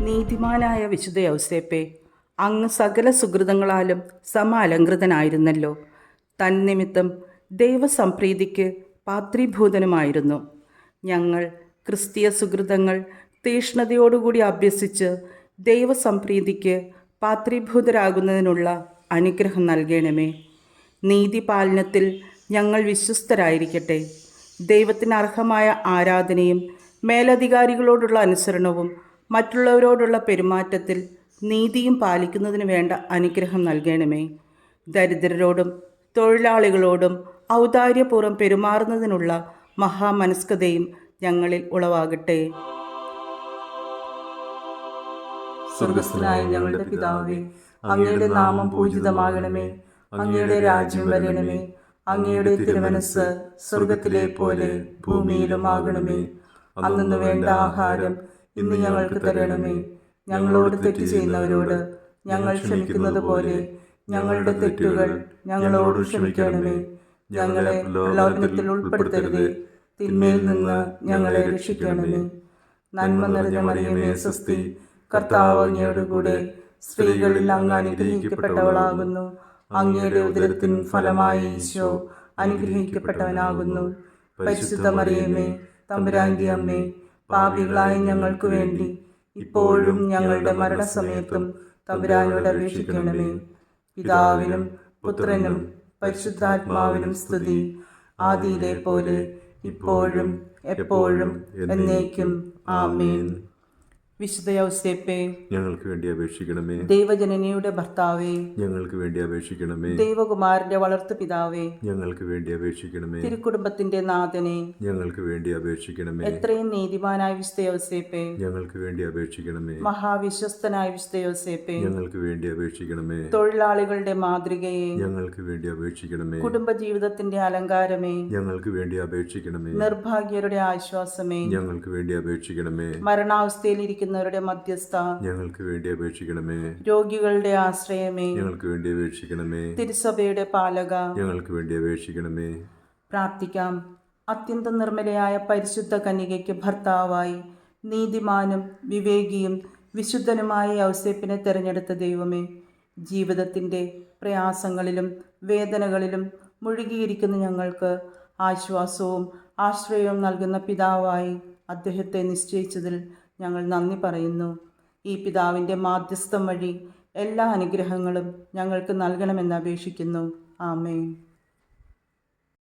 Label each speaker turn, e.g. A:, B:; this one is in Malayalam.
A: നീതിമാനായ വിശുദ്ധ യൗസേപ്പേ, അങ്ങ് സകല സുഹൃതങ്ങളാലും അലങ്കൃതനായിരുന്നല്ലോ. തന്നിമിത്തം ദൈവസംപ്രീതിക്ക് പാത്രീഭൂതനുമായിരുന്നു. ഞങ്ങൾ ക്രിസ്തീയ സുഹൃതങ്ങൾ തീഷ്ണതയോടുകൂടി അഭ്യസിച്ച് ദൈവസംപ്രീതിക്ക് പാത്രീഭൂതരാകുന്നതിനുള്ള അനുഗ്രഹം നൽകണമേ. നീതിപാലനത്തിൽ ഞങ്ങൾ വിശ്വസ്തരായിരിക്കട്ടെ. ദൈവത്തിന് അർഹമായ ആരാധനയും മേലധികാരികളോടുള്ള അനുസരണവും മറ്റുള്ളവരോടുള്ള പെരുമാറ്റത്തിൽ നീതിയും പാലിക്കുന്നതിന് വേണ്ട അനുഗ്രഹം നൽകണമേ. ദരിദ്രരോടും തൊഴിലാളികളോടും ഔദാര്യപൂർവ്വം പെരുമാറുന്നതിനുള്ള മഹാമനസ്കതയും ഞങ്ങളിൽ ഉളവാകട്ടെ.
B: സ്വർഗസ്ഥനായ ഞങ്ങളുടെ പിതാവേ, അങ്ങയുടെ നാമം പൂജിതമാകണമേ. അങ്ങയുടെ രാജ്യം വരണമേ. അങ്ങയുടെ തിരുമനസ് സ്വർഗത്തിലെ പോലെ ഭൂമിയിലും ആകണമേ. അന്നു വേണ്ട ആഹാരം ഇന്ന് ഞങ്ങൾക്ക് തരണമേ. ഞങ്ങളോട് തെറ്റ് ചെയ്യുന്നവരോട് ഞങ്ങൾ ക്ഷമിക്കുന്നത് പോലെ ഞങ്ങളുടെ തെറ്റുകൾ ഞങ്ങളോട് ക്ഷമിക്കണമേ. ഞങ്ങളെ പ്രലോഭനത്തിൽ ഉൾപ്പെടുത്തരുതേ, തിന്മയിൽ നിന്ന് ഞങ്ങളെ രക്ഷിക്കണമേ. നന്മ നിറഞ്ഞ മറിയമേ സ്വസ്തി, കർത്താവ് അങ്ങയോടുകൂടെ സ്ത്രീകളിൽ അങ്ങ് അനുഗ്രഹിക്കപ്പെട്ടവളാകുന്നു. അങ്ങയുടെ ഉദരത്തിൻ ഫലമായ ഈശോ അനുഗ്രഹിക്കപ്പെട്ടവനാകുന്നു. പരിശുദ്ധ മറിയമേ, തമ്പുരാന്റെ അമ്മേ, പാപികളായ ഞങ്ങൾക്ക് വേണ്ടി ഇപ്പോഴും ഞങ്ങളുടെ മരണസമയത്തും തമ്പുരാനോട് അപേക്ഷിക്കണമേ. പിതാവിനും പുത്രനും പരിശുദ്ധാത്മാവിനും സ്തുതി, ആദിയിലെ പോലെ ഇപ്പോഴും എപ്പോഴും എന്നേക്കും. ആമേൻ.
A: വിശുദ്ധ യൗസേപ്പേ,
B: ഞങ്ങൾക്ക് വേണ്ടി അപേക്ഷിക്കണമേ.
A: ദൈവജനനിയുടെ ഭർത്താവേ,
B: ഞങ്ങൾക്ക് വേണ്ടി അപേക്ഷിക്കണമേ.
A: ദൈവകുമാരന്റെ വളർത്തു പിതാവേ,
B: ഞങ്ങൾക്ക് വേണ്ടി അപേക്ഷിക്കണമേ.
A: തിരുക്കുടുംബത്തിന്റെ നാഥനെ,
B: ഞങ്ങൾക്ക് വേണ്ടി അപേക്ഷിക്കണമേ.
A: എത്രയും നീതിമാനായ വിശുദ്ധ യൗസേപ്പേ,
B: ഞങ്ങൾക്ക് വേണ്ടി അപേക്ഷിക്കണമേ.
A: മഹാവിശ്വസ്തനായ വിശുദ്ധ യൗസേപ്പേ,
B: ഞങ്ങൾക്ക് വേണ്ടി അപേക്ഷിക്കണമേ.
A: തൊഴിലാളികളുടെ മാതൃകയെ,
B: ഞങ്ങൾക്ക് വേണ്ടി അപേക്ഷിക്കണമേ.
A: കുടുംബജീവിതത്തിന്റെ അലങ്കാരമേ,
B: ഞങ്ങൾക്ക് വേണ്ടി അപേക്ഷിക്കണമേ.
A: നിർഭാഗ്യരുടെ ആശ്വാസമേ,
B: ഞങ്ങൾക്ക് വേണ്ടി അപേക്ഷിക്കണമേ.
A: മരണാവസ്ഥയിലിരിക്കുന്നവരുടെ മധ്യസ്ഥ,
B: ഞങ്ങൾക്ക് വേണ്ടി അപേക്ഷിക്കണമേ.
A: രോഗികളുടെ ആശ്രയമേ,
B: ഞങ്ങൾക്ക് വേണ്ടി അപേക്ഷിക്കണമേ.
A: തിരുസഭയുടെ പാലക,
B: ഞങ്ങൾക്ക് വേണ്ടി അപേക്ഷിക്കണമേ.
A: പ്രാർത്ഥിക്കാം. അത്യന്തം നിർമ്മലയായ പരിശുദ്ധ കന്യകയ്ക്ക് ഭർത്താവായി നീതിമാനും വിവേകിയും വിശുദ്ധനുമായ യൗസേപ്പിനെ തിരഞ്ഞെടുത്ത ദൈവമേ, ജീവിതത്തിൻ്റെ പ്രയാസങ്ങളിലും വേദനകളിലും മുഴുകിയിരിക്കുന്ന ഞങ്ങൾക്ക് ആശ്വാസവും ആശ്രയവും നൽകുന്ന പിതാവായി അദ്ദേഹത്തെ നിശ്ചയിച്ചതിൽ ഞങ്ങൾ നന്ദി പറയുന്നു. ഈ പിതാവിൻ്റെ മാധ്യസ്ഥം വഴി എല്ലാ അനുഗ്രഹങ്ങളും ഞങ്ങൾക്ക് നൽകണമെന്ന് അപേക്ഷിക്കുന്നു. ആമേൻ.